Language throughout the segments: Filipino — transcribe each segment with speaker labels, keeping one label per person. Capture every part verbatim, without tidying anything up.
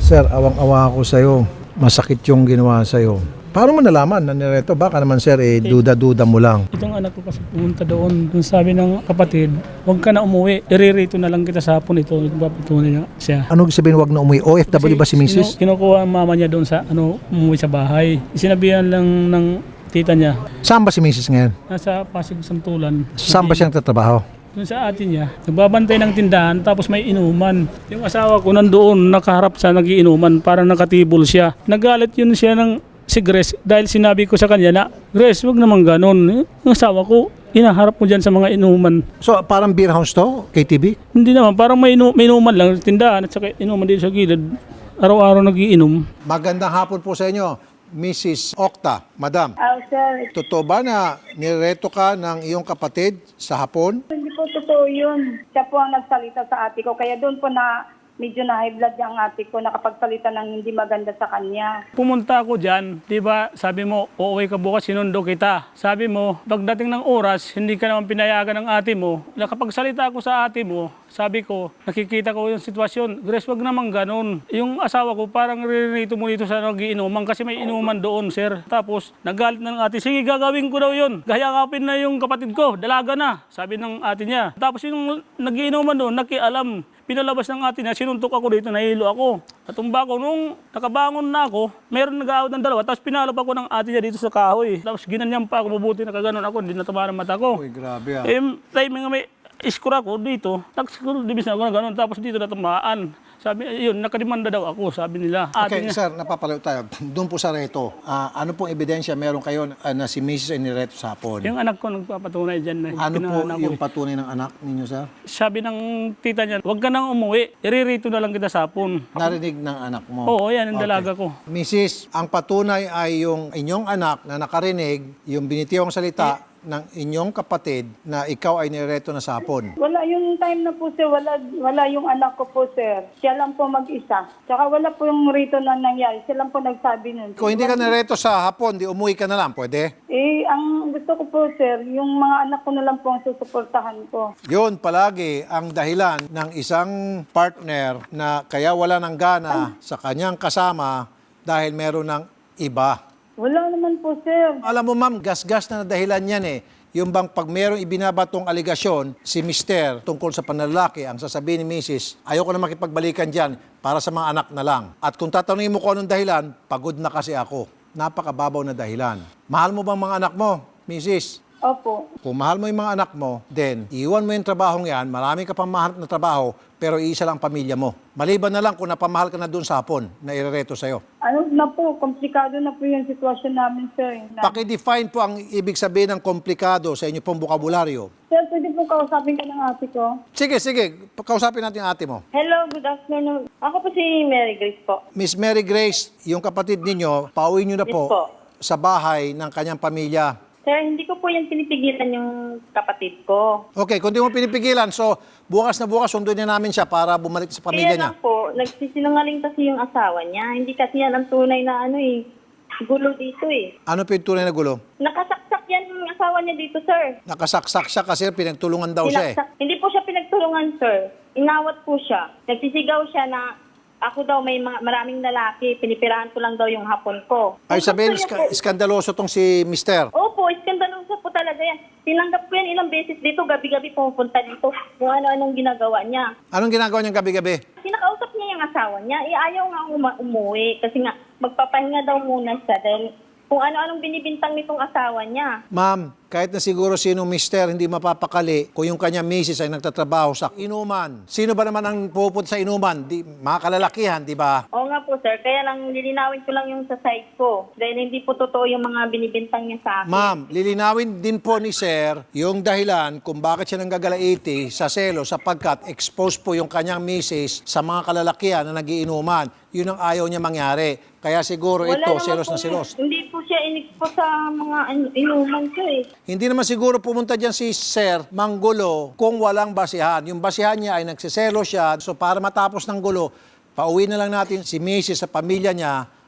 Speaker 1: Sir, awang-awa ako sa'yo. Masakit yung ginawa sa'yo. Paano mo nalaman na nireto? Baka naman sir, eh, duda-duda mo lang.
Speaker 2: Itong anak ko kasi pumunta doon. Yung sabi ng kapatid, huwag ka na umuwi. Iririto na lang kita sa hapon ito. Nagpapatunay niya siya.
Speaker 1: Ano sabihin wag na umuwi? O F W ba si Missus?
Speaker 2: Kinu- kinukuha ang mama niya doon sa ano, umuwi sa bahay. Sinabihan lang ng tita niya.
Speaker 1: Saan ba si Missus ngayon?
Speaker 2: Nasa Pasig Santulan.
Speaker 1: Saan ba siya nagtatrabaho?
Speaker 2: Doon sa atin niya, nagbabantay ng tindahan tapos may inuman. Yung asawa ko nandoon nakaharap sa nagiinuman, parang nakatibol siya. Nagalit yun siya ng si Grace dahil sinabi ko sa kanya na, Grace, wag naman ganun. Yung asawa ko, inaharap mo dyan sa mga inuman.
Speaker 1: So parang beer house to? K T V?
Speaker 2: Hindi naman, parang may, inu- may inuman lang, tindahan at saka inuman dito sa gilid. Araw-araw nagiinom.
Speaker 1: Magandang hapon po sa inyo, Missus Octa. Madam,
Speaker 3: Ah, sir,
Speaker 1: totoo ba na nireto ka ng iyong kapatid sa hapon?
Speaker 3: hindi po totoo yun. Siya po ang nagsalita sa ate ko. Kaya doon po na medyo na high blood yung ate ko, nakapagsalita ng hindi maganda sa kanya.
Speaker 2: Pumunta ako dyan, di ba, sabi mo, uuwi ka bukas, sinundo kita. Sabi mo, pagdating ng oras, hindi ka naman pinayagan ng ate mo. Nakapagsalita ako sa ate mo, sabi ko, nakikita ko yung sitwasyon. Grace, wag naman ganun. Yung asawa ko, parang rinito mo dito sa nagiinuman kasi may inuman doon, sir. Tapos, nagalit na ng ate, sige, gagawin ko daw yun. Gayakapin na yung kapatid ko, dalaga na, sabi ng ate niya. Tapos yung nagiinuman doon, nakialam. Pinalabas ng ate niya, sinuntok ako dito, nahilo ako. Natumba ko, nung nakabangon na ako, meron nag-aawat ng dalawa, tapos pinalap ako ng ate niya dito sa kahoy. Tapos ginanyan pa ako, mabuti nakaganon ako, hindi natama ng mata ko.
Speaker 1: Uy, grabe ah.
Speaker 2: Eh, timing nga may iskura ko dito, nagsikuro, dibis na ako na gano'n, tapos dito natamaan. Sabi, yun, nakadimanda daw ako, sabi nila. Ate
Speaker 1: Okay,
Speaker 2: niya,
Speaker 1: sir, napapalayo tayo. Doon po sa reto, ah, ano pong ebidensya meron kayo ah, na si Missus ay nireto sa hapon?
Speaker 2: yung anak ko nagpapatunay dyan. Na
Speaker 1: Ano po
Speaker 2: pinanganak ko
Speaker 1: yung
Speaker 2: eh.
Speaker 1: patunay ng anak ninyo, sir?
Speaker 2: Sabi ng tita niya, huwag ka nang umuwi, iririto na lang kita sa hapon.
Speaker 1: Narinig ng anak mo?
Speaker 2: Oo, yan, ang
Speaker 1: Okay.
Speaker 2: dalaga ko.
Speaker 1: Missus, ang patunay ay yung inyong anak na nakarinig, yung binitiyong salita ng inyong kapatid na ikaw ay nireto na sa hapon.
Speaker 3: Wala yung time na po, sir. Wala, wala yung anak ko po, sir. Siya lang po mag-isa. Tsaka wala po yung rito na nangyari. Siya lang po nagsabi nun.
Speaker 1: Kung hindi ka nireto sa hapon, di umuwi ka na lang, pwede?
Speaker 3: Eh, ang gusto ko po, sir, yung mga anak ko na lang po ang susuportahan ko.
Speaker 1: Yun palagi ang dahilan ng isang partner na kaya wala ng gana sa kanyang kasama dahil meron ng iba.
Speaker 3: Wala naman po, sir.
Speaker 1: Alam mo ma'am, gas-gas na dahilan yan eh. Yung bang pag merong ibinabatong aligasyon, si mister tungkol sa panlalaki, ang sasabihin ni missus, ayoko na makipagbalikan dyan para sa mga anak na lang. At kung tatanungin mo kung anong dahilan, pagod na kasi ako. Napakababaw na dahilan. Mahal mo bang mga anak mo, missus?
Speaker 3: Opo.
Speaker 1: Kung mahal mo yung mga anak mo, then iwan mo yung trabahong yan, marami ka pang mahanap na trabaho, pero iisa lang pamilya mo. Maliban na lang kung napamahal ka na dun sa hapon na irereto sa'yo.
Speaker 3: Ano na po, komplikado na po yung sitwasyon namin, sir. Na,
Speaker 1: Paki-define po ang ibig sabihin ng komplikado sa inyo pong bukabularyo.
Speaker 3: sir, pwede po kausapin ka ng ate ko?
Speaker 1: Sige, sige. Kausapin natin ang ate mo.
Speaker 3: Hello, good afternoon. Ako po si Mary Grace po.
Speaker 1: Miss Mary Grace, yung kapatid ninyo, pauwi nyo na
Speaker 3: Yes
Speaker 1: po,
Speaker 3: po.
Speaker 1: sa bahay ng kanyang pamilya.
Speaker 3: Sir, hindi ko po yan pinipigilan yung kapatid ko.
Speaker 1: Okay, kung di mo pinipigilan, so bukas na bukas, sunduin na namin siya para bumalik sa pamilya
Speaker 3: Kaya
Speaker 1: niya.
Speaker 3: lang po, nagsisinungaling kasi yung asawa niya. Hindi kasi yan ang tunay na ano eh, gulo dito eh.
Speaker 1: Ano po yung tunay na gulo?
Speaker 3: Nakasaksak yan yung asawa niya dito, sir.
Speaker 1: Nakasaksak siya kasi pinagtulungan daw siya eh.
Speaker 3: Sinaksak- Hindi po siya pinagtulungan, sir. Inawat po siya. Nagsisigaw siya na ako daw may mga, maraming lalaki, pinipirahan ko lang daw yung hapon ko.
Speaker 1: Ay
Speaker 3: Kung
Speaker 1: sabihin,
Speaker 3: gusto niya
Speaker 1: iska-
Speaker 3: po-
Speaker 1: iskandaloso tong si mister.
Speaker 3: Opo, iskandaloso po talaga yan. Tinanggap ko yan ilang beses dito, gabi-gabi pumupunta dito. Kung ano-anong ginagawa niya.
Speaker 1: Anong ginagawa niyang gabi-gabi?
Speaker 3: Sinakausap niya yung asawa niya, eh ayaw nga uma- umuwi kasi nga magpapahinga daw muna siya dahil kung ano-anong binibintang nitong asawa niya.
Speaker 1: Ma'am, kahit na siguro sino mister hindi mapapakali kung yung kanya misis ay nagtatrabaho sa inuman. Sino ba naman ang pupunta sa inuman? Di, mga kalalakihan, di ba?
Speaker 3: Oo nga po, sir. Kaya lang lilinawin ko lang yung sa side ko. Dahil hindi po totoo yung mga binibintang niya sa akin.
Speaker 1: Ma'am, lilinawin din po ni sir yung dahilan kung bakit siya nanggagalaiti sa selo sapagkat exposed po yung kanyang misis sa mga kalalakihan na nagiinuman. Yun ang ayaw niya mangyari. Kaya siguro ito,
Speaker 3: naman
Speaker 1: selos
Speaker 3: po
Speaker 1: na selos.
Speaker 3: Hindi po siya in-expose sa mga ano, inuman ko eh.
Speaker 1: Hindi naman siguro pumunta dyan si Sir Manggulo kung walang basihan. Yung basihan niya ay nagsiselo siya. So para matapos ng gulo, pauwi na lang natin si Missus sa pamilya niya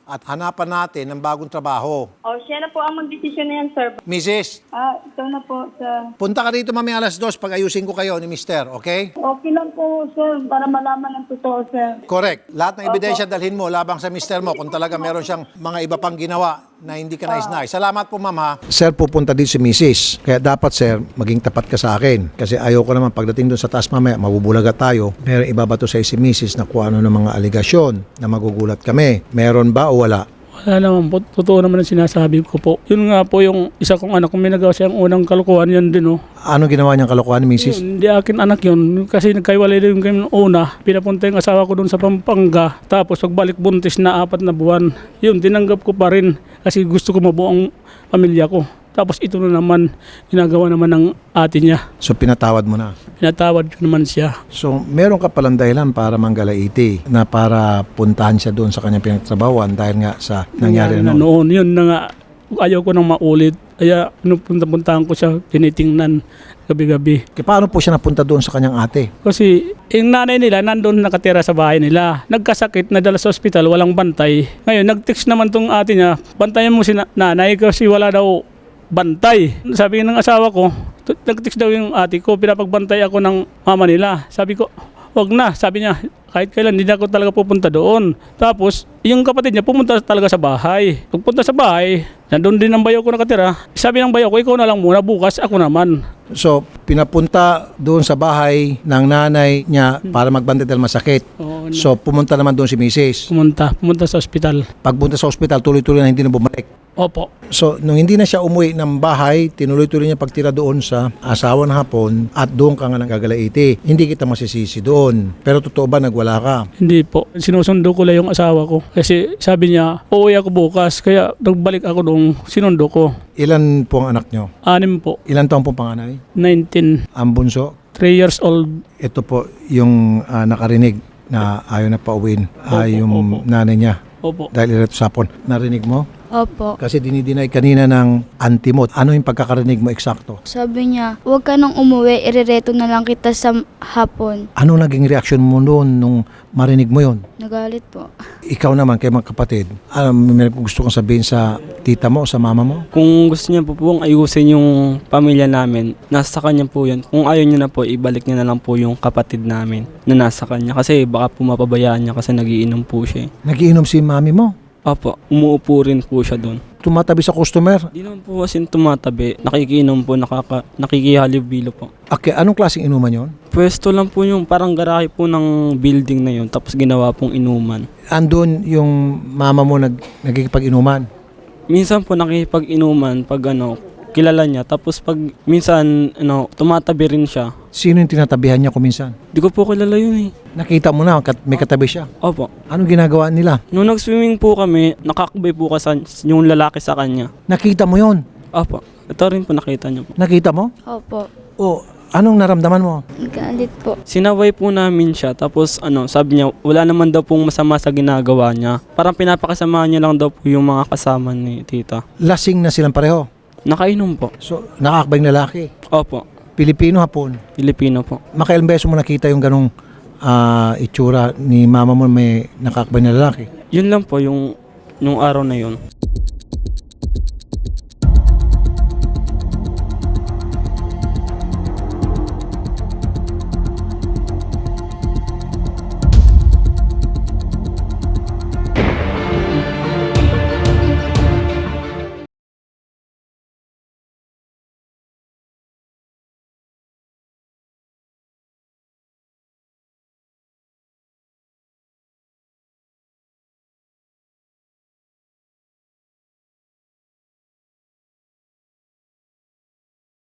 Speaker 1: at hanapan natin ng bagong trabaho.
Speaker 3: O, siya na po ang magdesisyon na yan, sir.
Speaker 1: Missus,
Speaker 3: Ah, ito na po, sir.
Speaker 1: punta ka dito mamaya alas dos pag ayusin ko kayo ni Mister, okay?
Speaker 3: Okay lang po, sir, para malaman ang totoo, sir.
Speaker 1: Correct. Lahat ng ebidensya dalhin mo labang sa mister mo kung talaga meron siyang mga iba pang ginawa na hindi ka nais-nais. Salamat po, ma'am, ha? Sir, pupunta din si missus. Kaya dapat, sir, maging tapat ka sa akin. Kasi ayoko naman pagdating doon sa taas mamaya, mabubulaga tayo. Meron ibabato sa si missus na kung ano ng mga aligasyon na magugulat kami. Meron ba o wala?
Speaker 2: Wala naman po. Totoo naman ang sinasabi ko po. Yun nga po yung isa kong anak, kung may nagawa siyang unang kalukuhan, yan din oh.
Speaker 1: Ano ginawa niyang kalokohan ni missus?
Speaker 2: Yun, hindi akin anak yun. Kasi nagkaiwalay din kami nung una. Pinapunta yung asawa ko doon sa Pampanga. Tapos pagbalik buntis na apat na buwan. Yun, tinanggap ko pa rin. Kasi gusto ko mabuo ang pamilya ko. Tapos ito na naman, ginagawa naman ng ate niya.
Speaker 1: So, pinatawad mo na.
Speaker 2: Pinatawad ko naman siya.
Speaker 1: So, meron ka palang dahilan para manggalaiti na para puntahan siya doon sa kanyang pinagtrabawan dahil nga sa nangyari
Speaker 2: na
Speaker 1: na noon.
Speaker 2: noon. Yun na nga, ayaw ko nang maulit. Kaya pinupunta-puntahan ko siya, tinitingnan gabi-gabi.
Speaker 1: Kaya paano po siya napunta doon sa kanyang ate?
Speaker 2: Kasi yung nanay nila nandun nakatira sa bahay nila. Nagkasakit, nadala sa ospital, walang bantay. Ngayon, nag-text naman tong ate niya, bantayan mo si na- nanay kasi wala daw bantay. Sabi ng asawa ko, t- nag-text daw yung ate ko, pinapagbantay ako ng mama nila. Sabi ko, wag na. Sabi niya, kahit kailan, hindi na ako talaga pupunta doon. Tapos, yung kapatid niya pumunta talaga sa bahay. Pagpunta sa bahay, nandun din ang bayaw ko nakatira. Sabi ng bayaw ko, ikaw na lang muna, bukas ako naman.
Speaker 1: So, pinapunta doon sa bahay ng nanay niya para magbantay dahil masakit.
Speaker 2: Oo,
Speaker 1: So, pumunta naman doon si missus.
Speaker 2: pumunta, pumunta sa ospital.
Speaker 1: Pagpunta sa ospital, tuloy-tuloy na hindi na bumalik.
Speaker 2: Opo.
Speaker 1: So, nung hindi na siya umuwi ng bahay, tinuloy-tuloy niya pagtira doon sa asawa ng hapon at doon ka nga nagagalaiti. Hindi kita masisisi doon. Pero totoo ba nagwala ka?
Speaker 2: Hindi po. Sinusundo ko lang yung asawa ko. Kasi sabi niya, uuwi ako bukas. Kaya nagbalik ako doon, sinundo ko.
Speaker 1: Ilan po ang anak nyo?
Speaker 2: Anim po.
Speaker 1: Ilan taong po panganay?
Speaker 2: nineteen.
Speaker 1: Ang bunso?
Speaker 2: three years old.
Speaker 1: Ito po yung ah, nakarinig na ayaw na pauwiin ah,
Speaker 2: Opo,
Speaker 1: yung
Speaker 2: opo.
Speaker 1: nanay niya.
Speaker 2: Opo.
Speaker 1: Dahil ito sa hapon. Narinig mo?
Speaker 4: Opo.
Speaker 1: Kasi dinidinay kanina ng auntie mo. Ano yung pagkakarinig mo eksakto?
Speaker 4: Sabi niya, huwag ka nang umuwi, irereto na lang kita sa hapon.
Speaker 1: Ano naging reaksyon mo noon nung marinig mo yon?
Speaker 4: Nagalit po.
Speaker 1: Ikaw naman, kay mga kapatid, ano, may gusto kong sabihin sa tita mo, sa mama mo?
Speaker 5: Kung gusto niya po pong ayusin yung pamilya namin, nasa kanya po yun. Kung ayaw niya na po, ibalik niya na lang po yung kapatid namin na nasa kanya. Kasi baka po mapabayaan niya kasi nagiinom po siya. eh.
Speaker 1: Nagiinom si mami mo?
Speaker 5: Opo, umuupo rin po siya doon.
Speaker 1: Tumatabi sa customer?
Speaker 5: Di naman po kasi tumatabi, nakikiinom po, nakaka, nakikihalubilo po.
Speaker 1: Okay, anong klaseng inuman yon?
Speaker 5: Pwesto lang po yung parang garahe po ng building na yun, tapos ginawa pong inuman.
Speaker 1: Andun yung mama mo nag, nagkikipag-inuman?
Speaker 5: Minsan po nakikipag-inuman pag ano, kilala niya. Tapos pag minsan ano, tumatabi rin siya.
Speaker 1: Sino yung tinatabihan niya kuminsan?
Speaker 5: Di ko po kilala yun eh.
Speaker 1: Nakita mo na, kat- may katabi siya.
Speaker 5: Opo.
Speaker 1: Anong ginagawa nila?
Speaker 5: Nung nag-swimming po kami, nakakabay po kasi yung lalaki sa kanya.
Speaker 1: Nakita mo yon?
Speaker 5: Opo. Ito rin po nakita niyo po.
Speaker 1: Nakita mo?
Speaker 4: Opo.
Speaker 1: O, anong naramdaman mo?
Speaker 4: Galit po.
Speaker 5: Sinaway po namin siya. Tapos ano, sabi niya, wala naman daw pong masama sa ginagawa niya. Parang pinapakasama niya lang daw po yung mga kasama ni tita.
Speaker 1: Lasing na silang pareho.
Speaker 5: Nakainom po.
Speaker 1: So, nakakabang lalaki.
Speaker 5: Opo.
Speaker 1: Pilipino, Hapon.
Speaker 5: Pilipino po.
Speaker 1: Makailang beses mo nakita yung ganong ah, itsura ni mama mo may nakakabang na lalaki?
Speaker 5: Yun lang po yung, yung araw na yun.